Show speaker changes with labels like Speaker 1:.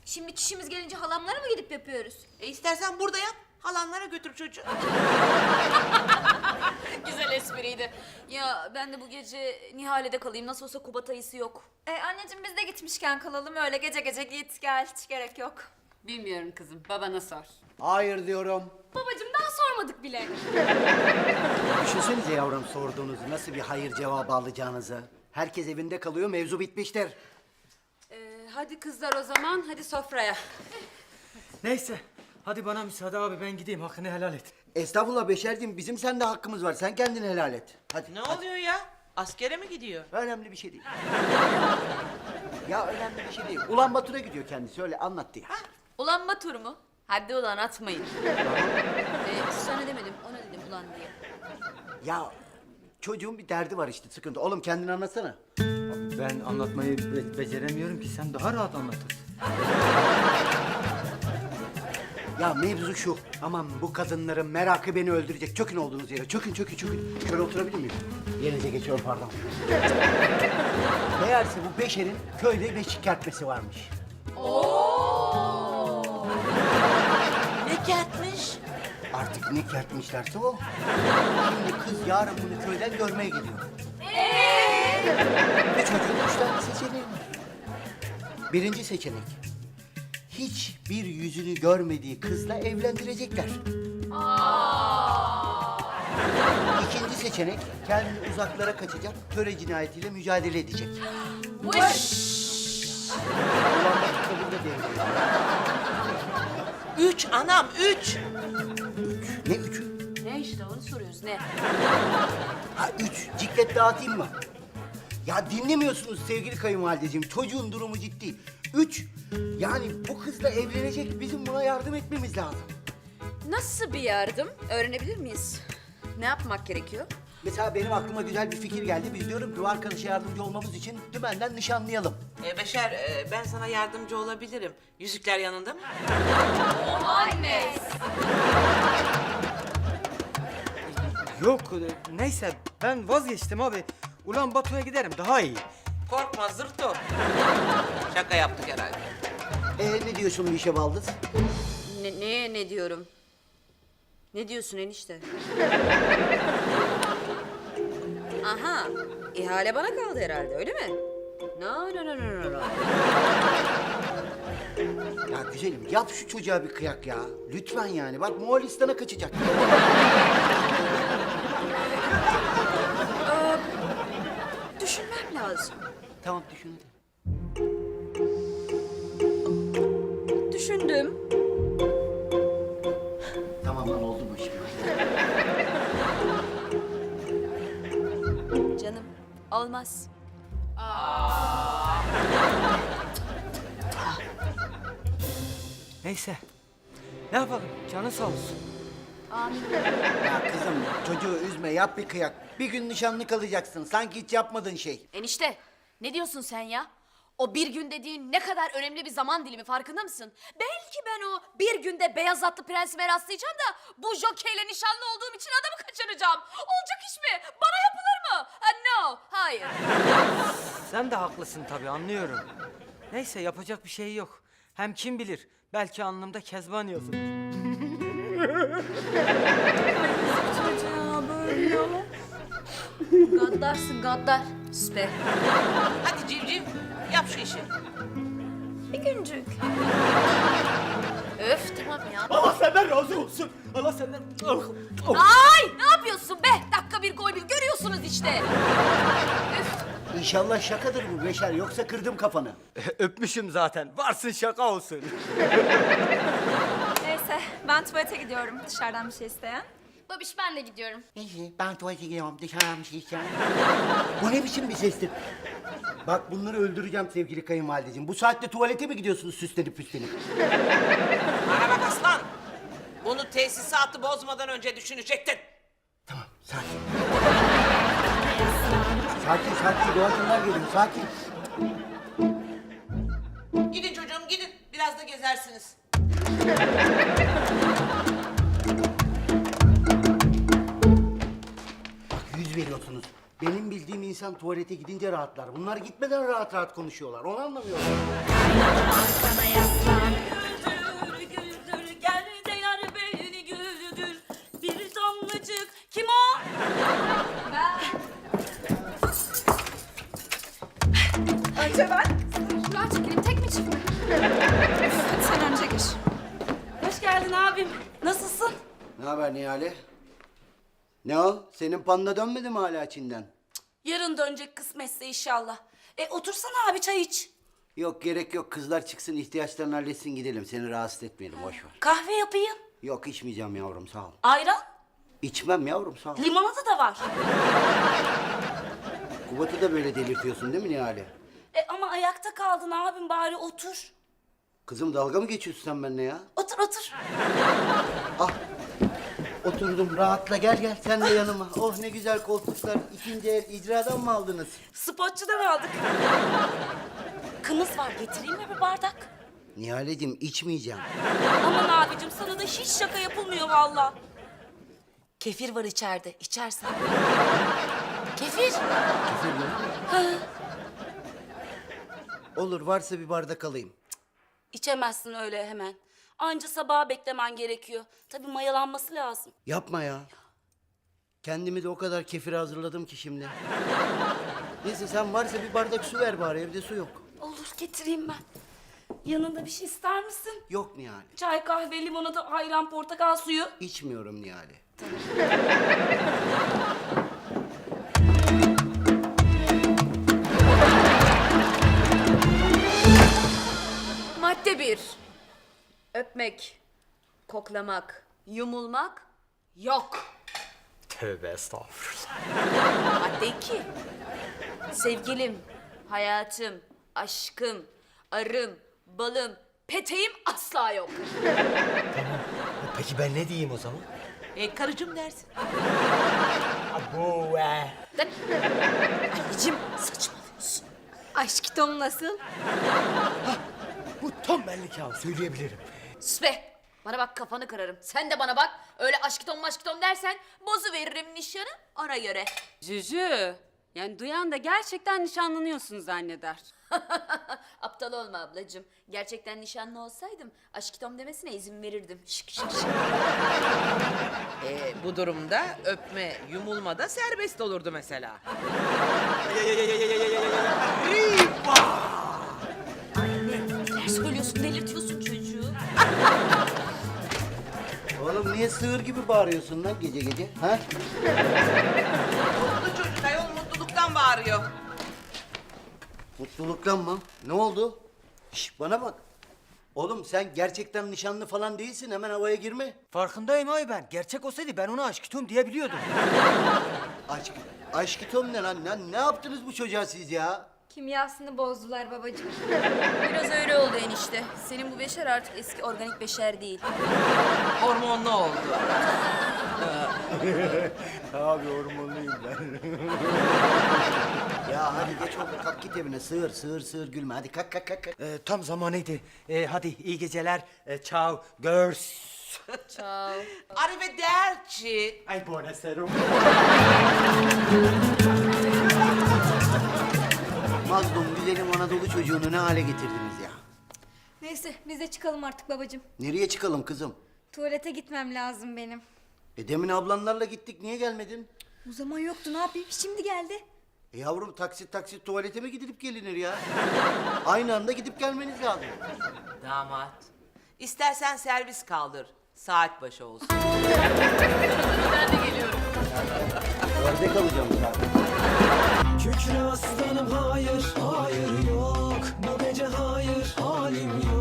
Speaker 1: Şimdi çişimiz gelince halamlara mı gidip yapıyoruz?
Speaker 2: İstersen burada yap. Halanlara götür çocuğu.
Speaker 1: Güzel espriydi. Ya ben de bu gece Nihale'de kalayım. Nasıl olsa Kubat ayısı yok.
Speaker 3: Anneciğim biz de gitmişken kalalım öyle gece gece git gel hiç gerek yok.
Speaker 4: Bilmiyorum kızım, babana sor.
Speaker 5: Hayır diyorum.
Speaker 3: Babacığım daha sormadık bile.
Speaker 5: Düşünsenize yavrum sorduğunuzu, nasıl bir hayır cevabı alacağınızı. Herkes evinde kalıyor, mevzu bitmiştir.
Speaker 4: Hadi kızlar o zaman, hadi sofraya.
Speaker 6: Neyse. Hadi bana müsaade abi ben gideyim hakkını helal et.
Speaker 5: Estağfurullah Beşerciğim, bizim sende hakkımız var. Sen kendini helal et. Hadi.
Speaker 2: Ne
Speaker 5: hadi.
Speaker 2: oluyor ya? Askere mi gidiyor?
Speaker 5: Önemli bir şey değil. Ya önemli bir şey değil. Ulan Batur'a gidiyor kendisi, öyle anlattı ya.
Speaker 1: Ulan Batur mu? Hadi ulan atmayın. Sana demedim, ona dedim ulan diye.
Speaker 5: Ya çocuğun bir derdi var işte, sıkıntı. Oğlum kendini anlatsana.
Speaker 6: Ben anlatmayı beceremiyorum ki sen daha rahat anlatırsın.
Speaker 5: Ya mevzu şu. Aman bu kadınların merakı beni öldürecek. Çökün olduğunuz yere. Çökün, çökün, çökün. Şöyle oturabilir miyim? Yerinize geçiyorum, pardon. Meğerse bu Beşer'in köyde beşik kertmesi varmış.
Speaker 2: Ne kertmiş?
Speaker 5: Artık ne kertmişlerse o. Şimdi kız yarın bunu köyden görmeye gidiyor. Ve çocuğun 3 tane seçeneği var. Birinci seçenek. Hiçbir yüzünü görmediği kızla evlendirecekler. İkinci seçenek, kendini uzaklara kaçacak, töre cinayetiyle mücadele edecek. Ulan bak kabul de değil.
Speaker 2: 3 anam 3.
Speaker 5: Ne üçü?
Speaker 1: Ne işte onu soruyoruz ne?
Speaker 5: Ha 3, ciklet dağıtayım mı? Ya dinlemiyorsunuz sevgili kayınvalideciğim, çocuğun durumu ciddi. 3, yani bu kızla evlenecek, bizim buna yardım etmemiz lazım.
Speaker 1: Nasıl bir yardım? Öğrenebilir miyiz? Ne yapmak gerekiyor?
Speaker 5: Mesela benim aklıma güzel bir fikir geldi. Biz diyorum ki o arkadaşa yardımcı olmamız için dümenden nişanlayalım.
Speaker 2: Beşer ben sana yardımcı olabilirim. Yüzükler yanında mı?
Speaker 6: Yok neyse ben vazgeçtim abi. Ulan Batu'ya giderim daha iyi.
Speaker 2: Korkma zırto. Şaka yaptık herhalde.
Speaker 5: Ne diyorsun bu işe Baldız?
Speaker 1: Ne diyorum? Ne diyorsun enişte? Aha, ihale bana kaldı herhalde öyle mi? No.
Speaker 5: Ya güzelim yap şu çocuğa bir kıyak ya. Lütfen yani, bak Moğolistan'a kaçacak.
Speaker 1: Düşünmem lazım.
Speaker 5: Tamam düşün hadi.
Speaker 1: Düşündüm.
Speaker 5: Tamam lan, oldu mu şimdi?
Speaker 1: Canım, olmaz.
Speaker 6: Neyse. Ne yapalım canın sağ olsun.
Speaker 5: Ya kızım çocuğu üzme, yap bir kıyak. Bir gün nişanlı kalacaksın, sanki hiç yapmadığın şey.
Speaker 1: Enişte, ne diyorsun sen ya? O bir gün dediğin ne kadar önemli bir zaman dilimi farkında mısın? Belki ben o bir günde beyaz atlı prensime rastlayacağım da bu jokeyle nişanlı olduğum için adamı kaçıracağım. Olacak iş mi? Bana yapılır mı? No, hayır.
Speaker 6: Sen de haklısın tabii anlıyorum. Neyse yapacak bir şey yok. Hem kim bilir belki alnımda Kezban yazılır.
Speaker 1: Çocuğa böyle. Gaddarsın gaddar. Sus be.
Speaker 2: Hadi civciv yap şu işi.
Speaker 3: Bir güncük.
Speaker 1: Öf tamam ya.
Speaker 6: Allah senden razı olsun. Allah senden...
Speaker 1: Ay ne yapıyorsun be? Dakika bir gol bir görüyorsunuz işte.
Speaker 5: İnşallah şakadır bu Beşer, yoksa kırdım kafanı.
Speaker 6: Öpmüşüm zaten. Varsın şaka olsun.
Speaker 3: Neyse ben tuvalete gidiyorum dışarıdan bir şey isteyen.
Speaker 1: Babiş ben de gidiyorum.
Speaker 5: Neyse ben tuvalete gidiyorum, dışarıdan bir şey içeceğim. Bu ne biçim bir sestir? Bak bunları öldüreceğim sevgili kayınvalideciğim. Bu saatte tuvalete mi gidiyorsunuz süslenip püslenip?
Speaker 2: Bana bak aslan. Bunu tesisatı bozmadan önce düşünecektin.
Speaker 5: Tamam, sakin. Sakin, doğaçlar geliyor, sakin.
Speaker 2: Gidin çocuğum gidin. Biraz da gezersiniz.
Speaker 5: Bak 100 veriyorsunuz. Benim bildiğim insan tuvalete gidince rahatlar. Bunlar gitmeden rahat rahat konuşuyorlar. Onu anlamıyorum.
Speaker 3: Sana yaslan.
Speaker 7: abim. Nasılsın?
Speaker 5: Ne haber Nihale? Ne o? Senin panda dönmedi mi hala Çin'den?
Speaker 7: Yarın dönecek kısmetse inşallah. Otursana abi çay iç.
Speaker 5: Yok gerek yok. Kızlar çıksın ihtiyaçlarını halletsin gidelim. Seni rahatsız etmeyelim boş ver.
Speaker 7: Kahve yapayım.
Speaker 5: Yok içmeyeceğim yavrum sağ ol.
Speaker 7: Ayran.
Speaker 5: İçmem yavrum sağ ol.
Speaker 7: Limonata da var.
Speaker 5: Kubat'ı da böyle delirtiyorsun değil mi Nihale?
Speaker 7: Ama ayakta kaldın abim, bari otur.
Speaker 5: Kızım dalga mı geçiyorsun sen benimle ya?
Speaker 7: Otur otur.
Speaker 5: Ah oturdum rahatla gel sen de yanıma. Oh ne güzel koltuklar. İkinci el icradan mı aldınız?
Speaker 7: Spotçudan aldık. Kımız var, getireyim mi bir bardak?
Speaker 5: Nihaleciğim içmeyeceğim.
Speaker 7: Aman abicim, sana da hiç şaka yapılmıyor valla. Kefir var içeride, içersen. Kefir.
Speaker 5: Olur varsa bir bardak alayım.
Speaker 7: İçemezsin öyle hemen. Anca sabaha beklemen gerekiyor. Tabii mayalanması lazım.
Speaker 5: Yapma ya. Kendimi de o kadar kefir hazırladım ki şimdi. Neyse sen varsa bir bardak su ver bari evde su yok.
Speaker 7: Olur, getireyim ben. Yanında bir şey ister misin?
Speaker 5: Yok Nihale.
Speaker 7: Çay, kahve, limonata, ayran, portakal suyu.
Speaker 5: İçmiyorum Nihale.
Speaker 1: Madde 1. Öpmek, koklamak, yumulmak yok.
Speaker 6: Tövbe estağfurullah.
Speaker 1: Madde 2. Sevgilim, hayatım, aşkım, arım, balım, peteğim asla yok.
Speaker 6: Peki ben ne diyeyim o zaman?
Speaker 2: Karıcığım dersin.
Speaker 6: Bu
Speaker 1: Anneciğim saçmalıyorsun.
Speaker 4: Aşk Tom nasıl?
Speaker 6: Bu tam benlik ya, söyleyebilirim.
Speaker 1: Sus be. Bana bak kafanı kırarım. Sen de bana bak. Öyle aşkitom maşkitom dersen bozu veririm nişanı ona göre.
Speaker 4: Cücü. Yani duyan da gerçekten nişanlanıyorsun zanneder.
Speaker 1: Aptal olma ablacığım. Gerçekten nişanlı olsaydım aşkitom demesine izin verirdim. Şık şık şık.
Speaker 2: Bu durumda öpme, yumulma da serbest olurdu mesela.
Speaker 1: Neler söylüyorsun delirtiyorsun çocuğu.
Speaker 5: Oğlum niye sığır gibi bağırıyorsun lan gece gece? Ha?
Speaker 2: Mutlu çocuk ayol mutluluktan bağırıyor.
Speaker 5: Mutluluktan mı? Ne oldu? Şş bana bak. Oğlum sen gerçekten nişanlı falan değilsin. Hemen havaya girme.
Speaker 6: Farkındayım ay ben. Gerçek olsaydı ben ona aşkım diyebiliyordum.
Speaker 5: Aşkı Tom ne lan? Ne yaptınız bu çocuğa siz ya?
Speaker 3: Kimyasını bozdular babacığım.
Speaker 1: Biraz öyle oldu enişte. Senin bu beşer artık eski organik beşer değil.
Speaker 2: Hormonlu oldu.
Speaker 5: Abi hormonluyum ben. Ya hadi geç oldu kalk git evine. Sığır gülme. Hadi kalk.
Speaker 6: Tam zamanıydı. Hadi iyi geceler. Ciao. Girls.
Speaker 1: Ciao.
Speaker 2: Arrivederci.
Speaker 6: Ay buonasera.
Speaker 5: Mazlum güzelim Anadolu çocuğunu ne hale getirdiniz ya?
Speaker 3: Neyse biz de çıkalım artık babacığım.
Speaker 5: Nereye çıkalım kızım?
Speaker 3: Tuvalete gitmem lazım benim.
Speaker 5: Demin ablanlarla gittik niye gelmedin?
Speaker 3: O zaman yoktu, ne yapayım, şimdi geldi.
Speaker 5: Yavrum taksit tuvalete mi gidilip gelinir ya? Aynı anda gidip gelmeniz lazım.
Speaker 2: Damat. İstersen servis kaldır. Saat başı olsun.
Speaker 5: Orada kalacağım zaten.
Speaker 8: Kükre aslanım hayır, hayır yok. Bu gece hayır, halim yok.